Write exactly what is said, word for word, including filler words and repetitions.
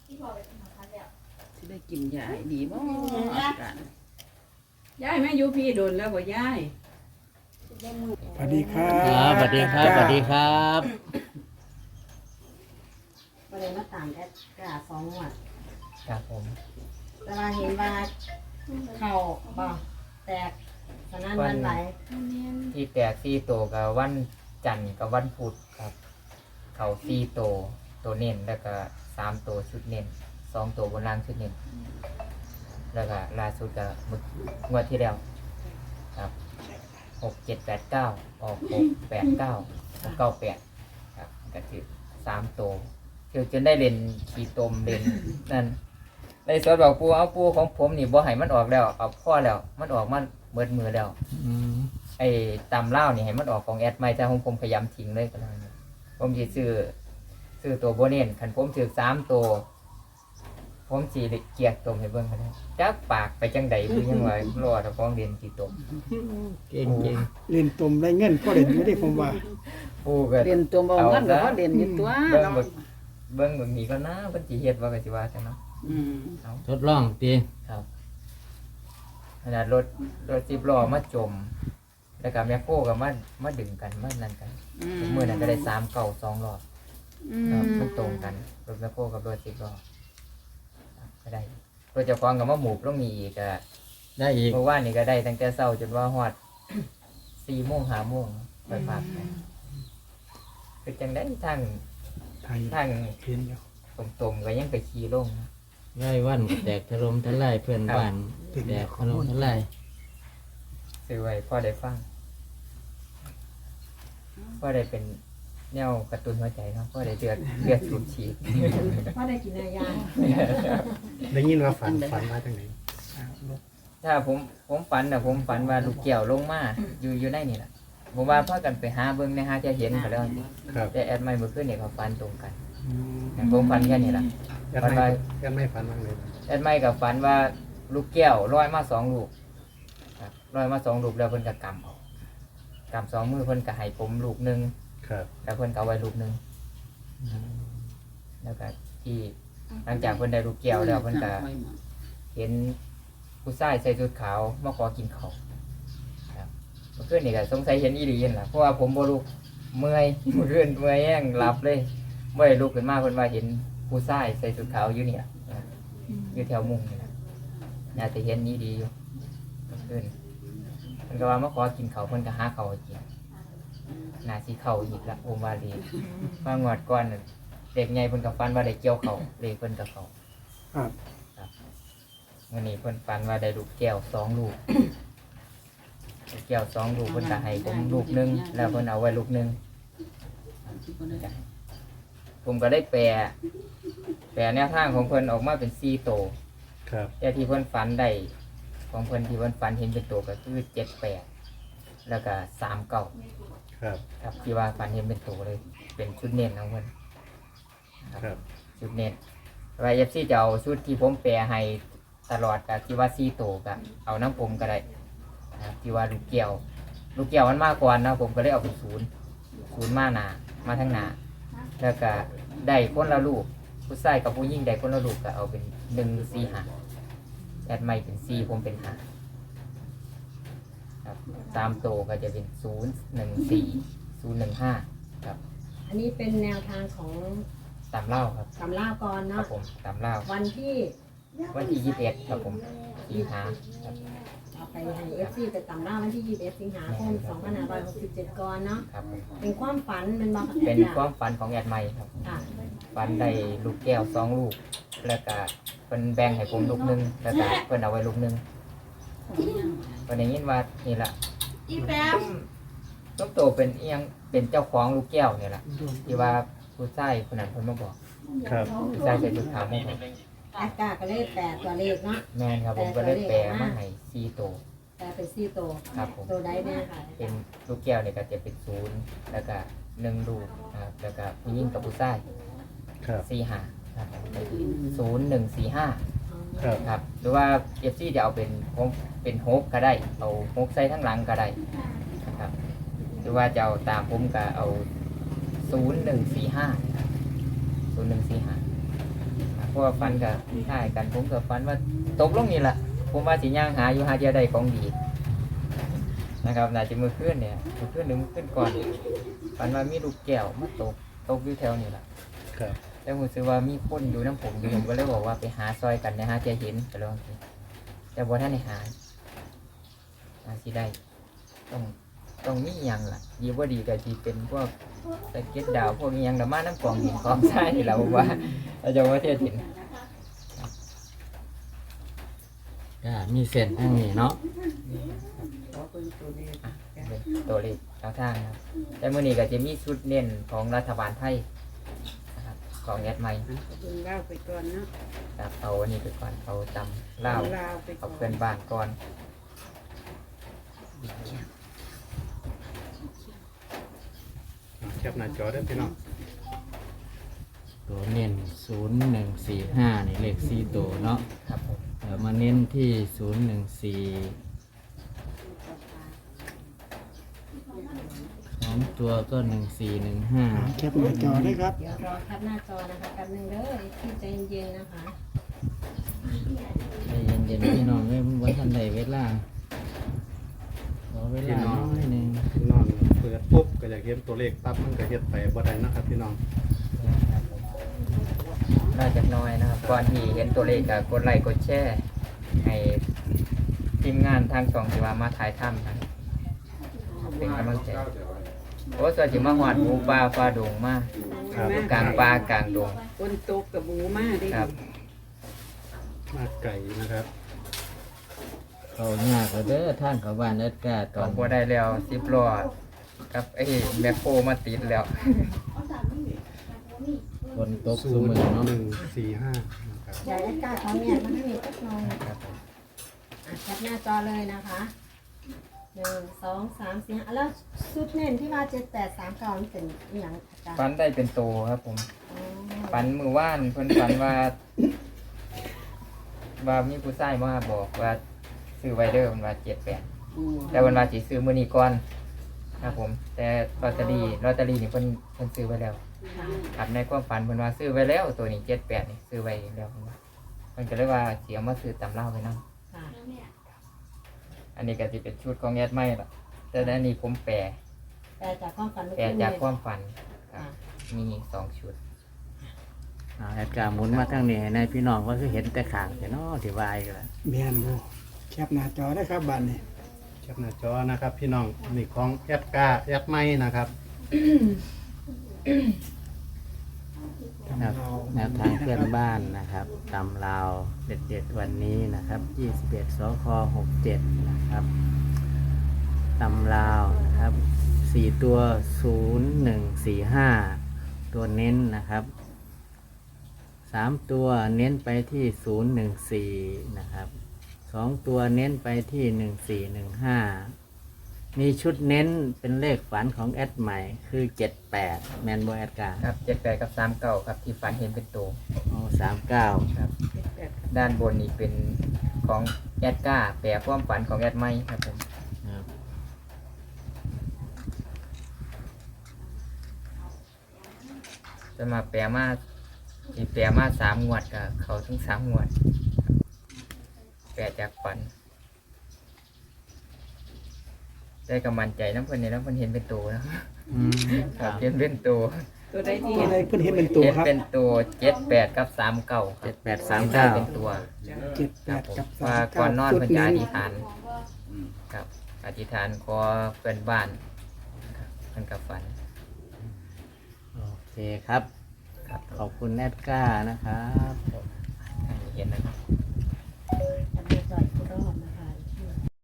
สิได้กินยาดีบ่อาการย้ายแม่อยู่พี่โดนแล้วบ่ย้ายสวัสดีครับครับสวัสดีครับสวัสดีครับประเด็นมาตามแอดกาสองหวัดครับผมแต่ว่าเห็นว่าเข่าบ่แตกสนั่นหวันไหวที่แตกสี่โตวกับวันจันทร์กับวันพุธครับ เขาสี่โตวตัวเน้นแล้วก็สามโตวชุดเน้นสองโตวบนล่างชุดเน้นแล้วก็ล่าสุดก็มึกงวดที่แล้วครับหกเจ็ดแปดเก้าออกหกแปดเก้าเก้าแปดครับก็คือสามโตวเที่ยวจนได้เล่นขี่ตมเล่นนั่นในสวนบอกปูเอาปูของผมนี่บ่ให้มันออกแล้วเอาพ่อแล้วมันออกมันเบิดมือแล้ว ไอ้ตำเล่านี่ให้มันออกของแอดไม่ถ้าผมผมพยายามทิ้งเลยก็ได้ผมจะซื้อซื้อตัวโบเน่นขันผมถือสามตัวผมสีเกียกตมให้เบิ้งก็ได้จักปากไปจังใดคือยังไงรอถ้าฟ้องเรียนกี่ตมเก่งเก่งเล่นตุ่มได้เงินก็เล่นอยู่ได้ผมว่าปูก็เรียนตัวบ่เงินก็บ่เรียนอยู่ตัวเบิ้งเนาะเบิ้งเบิ้งเบิ้งนี่ก็น่าเพิ่นสิเฮ็ดว่าก็สิว่าจังเนาะอืมเอาทดลองตีครับขนาดรถรถสิบล้อมาจม แล้วก็แมคโครก็มามาดึงกันมานั่นกันเมื่อนั้นก็ได้สามเก่าสองรอบอืมครับมันตรงกันรถแมคโครกับรถสิบล้อครับก็ได้รถเจ้าของกับมาหมูกต้องมีอีกอะได้อีกเมื่อวานนี่ก็ได้ตั้งแต่เช้าจนว่าฮอดสี่โมงห้าโมงไปฝากไปคือจังได้ทางไทยทางเพียนอยู่ตรงๆก็ยังไปขี่ลงนะง่ายวันแตกทะลมทลายเพื่อนบ้านแตกทะลมทลายซื้อไว้พ่อได้ฟังพ่อได้เป็นแนวกระตุ้นหัวใจเนาะพ่อได้เดือดเดือดสูบฉีดว่าได้กินอะไรยาได้ยินว่าฝันฝันมาจากไหนอ่าลูกถ้าผมผมฝันนะผมฝันว่าลูกแก้วลงมาอยู่อยู่ในนี่แหละผมว่าพากันไปหาเบิ้งในหาจะเห็นเขาแล้วสิครับแต่แอดไม่เมื่อคืนเนี่ยเขาฝันตรงกันอืมอย่างผมฝันแค่นี้แหละยันฝันไม่ว่ายันไม่ฝันบ้างเลยแอดไม่กับฝันว่าลูกแก้วลอยมาสองลูกครับลอยมาสองลูกแล้วเพิ่นก็กำเอากำสองมือเพิ่นก็ให้ผมลูกหนึ่งครับแล้วเพิ่นก็เอาไว้ลูกหนึ่งแล้วก็ที่หลังจากเพิ่นได้ลูกแก้วแล้วเพิ่นก็เห็นผู้ชายใส่ชุดขาวมาขอกินข้าวครับเมื่อคืนนี่ก็สงสัยเห็นอีหลีนั่นล่ะเพราะว่าผมบ่ลุกเมื่อยเมื่อคืนเมื่อยแห้งหลับเลยบ่ได้ลุกขึ้นมาเพิ่นว่าเห็นผู้ชายใส่ชุดขาวอยู่นี่ล่ะอยู่แถวมุงนี่ล่ะน่าจะเห็นนี้ดีอยู่เมื่อคืนเพิ่นก็ว่ามาขอกินข้าวเพิ่นก็หาข้าวให้กินน่าสิเข้าอีกละโอมวาลีมางวดก่อนน่ะเด็กใหญ่เพิ่นก็ฝันว่าได้เกี่ยวข้าวเลขเพิ่นก็เข้าครับวันนี้เพิ่นฝันว่าได้ลูกแก้วสองลูก ลูกแก้วสองลูกเพิ่นก็ให้ผมลูกหนึงแล้วเพิ่นเอาไว้ลูกหนึงผมก็ได้แปลแปลแนวทางของเพิ่นออกมาเป็นสี่โตวครับแต่ที่เพิ่นฝันได้ของเพิ่นที่เพิ่นฝันเห็นเป็นตัวก็คือเจ็ดแปดแล้วก็สามเก้าครับครับที่ว่าฝันเห็นเป็นตัวเลย เป็นชุดเน้นของเพิ่นครับชุดเน้นไว้เอฟซีจะเอาชุดที่ผมแปลให้ตลอดกับที่ว่าซีโตกับเอาน้ำผมก็ได้นะครับที่ว่าลูกเกี่ยว ลูกเกี่ยวมันมากกว่านะผมก็เลยเอาเป็นศูนย์ศูนย์มาหนามาทั้งหนาแล้วก็ได้คนละลูกผู้ชายกับผู้หญิงได้คนละลูกก็เอาเป็นหนึ่งสี่ห้าแอดไม่เป็นสี่ผมเป็นห้าครับตามโตก็จะเป็นศูนย์หนึ่งสี่ศูนย์หนึ่งห้าครับอันนี้เป็นแนวทางของตามเล่าครับตำล่าก่อนครัเนาะบผมตามเล่าวันที่วันที่ยี่สิบเอ็ดครับผมสิงหาครับเอาไปให้เอฟซีไปตำล่าวันที่ยี่สิบเอ็ดสิงหาคมสองพันห้าร้อยหกสิบเจ็ดก่อนเนาะครับผมเป็นความฝันเป็นบอกเป็นความฝันของแอดไมค์ครับค่ะฝันได้ลูกแก้วสองลูก แล้วก็เพิ่นแบ่งให้ผมลูกหนึงแล้วก็เพิ่นเอาไว้ลูกหนึงเพิ่นได้ยินว่านี่ล่ะอีแปมต้องโตเป็นเอียงเป็นเจ้าของลูกแก้วนี่ล่ะที่ว่าผู้ชายคนนั้นเพิ่นมาบอกครับผู้ชายใส่ชุดขาวมาบอกแอดกาก็เลยแปดตัวเลขเนาะแม่นครับผมก็เลยแปลมาให้สี่โตวแปดเป็นสี่ตัวครับผมตัวใดเนี่ยค่ะเป็นลูกแก้วเนี่ยก็จะเป็นศูนย์แล้วก็หนึ่งลูกนะครับแล้วก็ผู้หญิงกับผู้ชายครับสี่ห้าครับศูนย์หนึ่งสี่ห้าครับครับหรือว่าเอฟซีจะเอาเป็นโฮกเป็นโฮกก็ได้เอาโฮกใส่ทั้งหลังก็ได้นะครับหรือว่าจะเอาตามผมก็เอาศูนย์หนึ่งสี่ห้าศูนย์หนึ่งสี่ห้าผราะว่าฝันกับท่ายกันผมกับฝันว่าตกลงนี่แหละผมว่าสิย่างหาอยู่หาเดียวใดของดีนะครับน่าจะมือขึ้นเนี่ยมือขึ้นหรือมือขึ้นก่อนฝันว่ามีลูกแก้วมาตกตกอยู่แถวนี่แหละครับแล้วผมซื้อว่ามีคนอยู่น้ำผมอยู่ผมก็เลยบอกว่าไปหาซอยกันนะฮะจะเห็นไปลองสิแต่บ่ท่านได้หาหาสิได้ต้องต้องมีอยังล่ะดีว่าดีก็ทีเป็นพวกสะเก็ดดาวพวกนี้ยังดราม่าน้ำกล่องหินกองทรายนี่แหละผมว่าเราจะว่าเทียบหินก็มีเส้นทางนี้เนาะเป็นตัวเลขทางทางครับแต่เมื่อนี้ก็จะมีชุดเน้นของรัฐบาลไทยนะครับของแอดไมค์เบิ่งเล่าไปก่อนเนาะครับเอาอันนี้ไปก่อนเอาจำเล่าวลาวไปก่เอาอนเพื่อนบ้านก่อนแคปหน้าจอได้อพี่น้องตัวเน้นศูนย์หนึ่งสี่ห้านี่เลขสี่ตัวเนาะครับผมเออมาเน้นที่ศูนย์หนึ่งสี่สองตัวก็หนึ่งสี่หนึ่งห้าแคปหน้าจอได้ครับเดี๋ยวรอแคปหน้าจอนะคะแป๊บนึงเด้อที่ใจเย็นๆนะคะใจเย็นๆพี่น้องเอ้ยมันวันทันใดเวลาขอเวลาน้อยหนึ่งพี่น้องเปิดปุ๊บก็อยากเห็นตัวเลขปั๊บมันก็เฮ็ดไปบ่ได้นะครับพี่น้องครับผมน่าจะน้อยนะครับก่อนที่เห็นตัวเลขก็กดไลค์กดแชร์ให้ทีมงานทางช่องที่ว่ามาถ่ายทำกันเป็นกำลังใจโอ้ส่วนที่มาหอดหมูปลาปลาดงมากครับกลางปลากลางดงคนตกกับหมูมาเด้ครับมาไก่นะครับเขายากก็เด้อท่านเขาบ้านเอ็ดกาตตออน นพอได้แล้วสิบล้อกับไอ้แมคโครมาติดแล้วฝนตกศูสุนมืย์อเนาะหนึ่งสี่ห้านะครับเดี๋ยวแอดการ์ดของเนี่ยมันไม่มีสักหน่อยครับอ่ะแคปหน้าจอเลยนะคะหนึ่งสองสามสี่ห้าแล้วชุดเน้นที่ว่าเจ็ดแปดสามเก้ามันเป็นอหย่างอาจารย์ฟันได้เป็นโตครับผมอ๋อฟันมือว่านเพิ่นฟันว่าว่ามีผู้ชายมาบอกว่าซื้อไวเดอร์มันว่าเจ็ดแปดอืมแต่วันว่าสิซื้อมื้อนี้ก่อนครับผม แต่ลอตเตอรี่ลอตเตอรี่นี่เพิ่นเพิ่นซื้อไว้แล้วค่ะครับในความฝันเพิ่นว่าซื้อไว้แล้วตัวนี้เจ็ดแปดนี่ซื้อไว้แล้วเพิ่นว่าเพิ่นก็เลยว่าเสียมาซื้อตำเล่าไปนำค่ะอันนี้ก็สิเป็นชุดของแอดไม่ละแต่อันนี้ผมแปลแต่จากความฝันเมื่อแปลกี้จากเนี่ยความฝันครัค่ะบมีสองชุดเอาแอดการ์หมุนมาทางนี้ให้นายพี่น้องว่าคือเห็นแต่ขางแต่เนาะที่วายกันละแม่นบ่แคปหน้าจอได้ครับบัดนี้แคปหน้าจอนะครับ พี่น้องนี่ของแอดกาแอดไม้นะครับครับแนวทางเพื่อนบ้านนะครับตำลาวเด็ดๆวันนี้นะครับยี่สิบเอ็ดสคหกเจ็ดนะครับตำลาวนะครับสี่ตัวศูนย์หนึ่งสี่ห้าตัวเน้นนะครับสามตัวเน้นไปที่ศูนย์หนึ่งสี่นะครับสองตัวเน้นไปที่หนึ่งสี่หนึ่งห้ามีชุดเน้นเป็นเลขฝันของแอดใหม่คือเจ็ดแปดแมนโบแอดการ์ครับเจ็ดแปดกับสามเก้าครับที่ฝันเห็นเป็นตัวโอ้สามเก้าครับแปดด้านบนนี่เป็นของแอดก้าแปลความฝันของแอดไม่ครับผมครับจะมาแปลมาที่แปลมาสามงวดกับเขาทั้งสามงวดแปลจากฝันได้กำมันใจน้ำเพิ่นเนี่ยน้ำเพิ่นเห็นเป็นตัวนะอืมคครัรับบ เห็นเป็นตัวตัวใดที่ตัวเห็นใดเพิ่นเห็นเป็นตัวเห็นครับเป็นตัวเจ็ดแปดกับสามเก้าคเจ็รัดบแปดสามเก้าเป็นตัวเจ็ดแปครับดผมกับสาว่าม ก่เก้าอนนอนสุดเพิ่นจะนั้อน ธิษฐานครับอธิษฐานขอเพื่อนบ้านครับเพิ่นกับฝันโอเคครับครับขอบคุณแอดก้านะครับ